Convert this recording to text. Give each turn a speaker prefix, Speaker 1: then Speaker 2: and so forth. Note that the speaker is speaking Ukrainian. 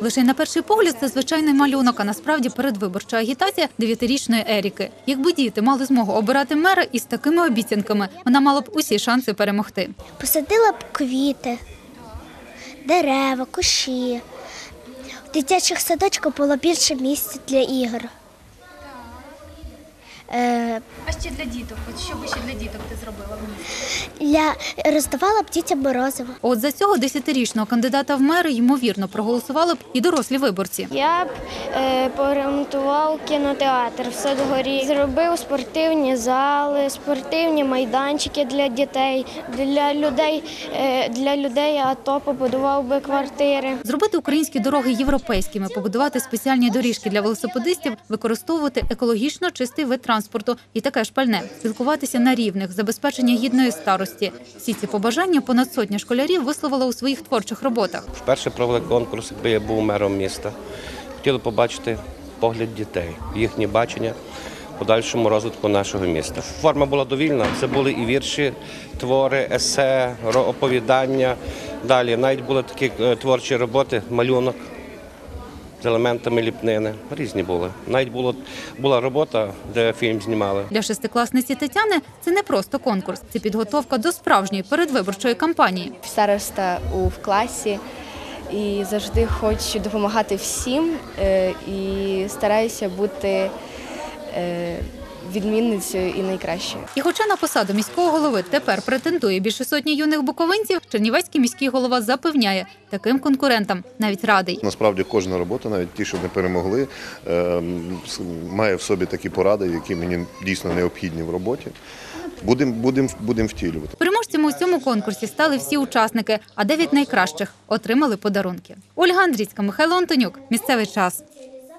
Speaker 1: Лише на перший погляд це звичайний малюнок, а насправді передвиборча агітація 9-річної Еріки. Якби діти мали змогу обирати мера із такими обіцянками, вона мала б усі шанси перемогти.
Speaker 2: Посадила б квіти, дерева, кущі. В дитячих садочках було більше місця для ігор.
Speaker 1: А ще для діток? Що би ще для діток ти зробила в місті?
Speaker 2: Роздавала б дітям морозиво.
Speaker 1: От за цього 10-річного кандидата в мери, ймовірно, проголосували б і дорослі виборці.
Speaker 3: Я б поремонтував кінотеатр в Садгорі, зробив спортивні зали, спортивні майданчики для дітей, для людей АТО побудував би квартири.
Speaker 1: Зробити українські дороги європейськими, побудувати спеціальні доріжки для велосипедистів, використовувати екологічно чистий вид транспорту і таке ж пальне, спілкуватися на рівних, забезпечення гідної старості. Всі ці побажання понад сотня школярів висловила у своїх творчих роботах.
Speaker 4: Вперше провели конкурс, якби я був мером міста. Хотіли побачити погляд дітей, їхнє бачення подальшому розвитку нашого міста. Форма була довільна, це були і вірші, твори, есе, оповідання. Далі навіть були такі творчі роботи, малюнок з елементами ліпнини. Різні були. Навіть була робота, де фільм знімали.
Speaker 1: Для шестикласниці Тетяни це не просто конкурс, це підготовка до справжньої передвиборчої кампанії.
Speaker 5: Староста в класі і завжди хочу допомагати всім і стараюся бути відмінницею і найкращою.
Speaker 1: І хоча на посаду міського голови тепер претендує більше сотні юних буковинців, Чернівецький міський голова запевняє, таким конкурентам навіть радий.
Speaker 6: Насправді кожна робота, навіть ті, що не перемогли, має в собі такі поради, які мені дійсно необхідні в роботі. Будемо втілювати.
Speaker 1: Переможцями у цьому конкурсі стали всі учасники, а 9 найкращих отримали подарунки. Ольга Андрійська, Михайло Антонюк. Місцевий час.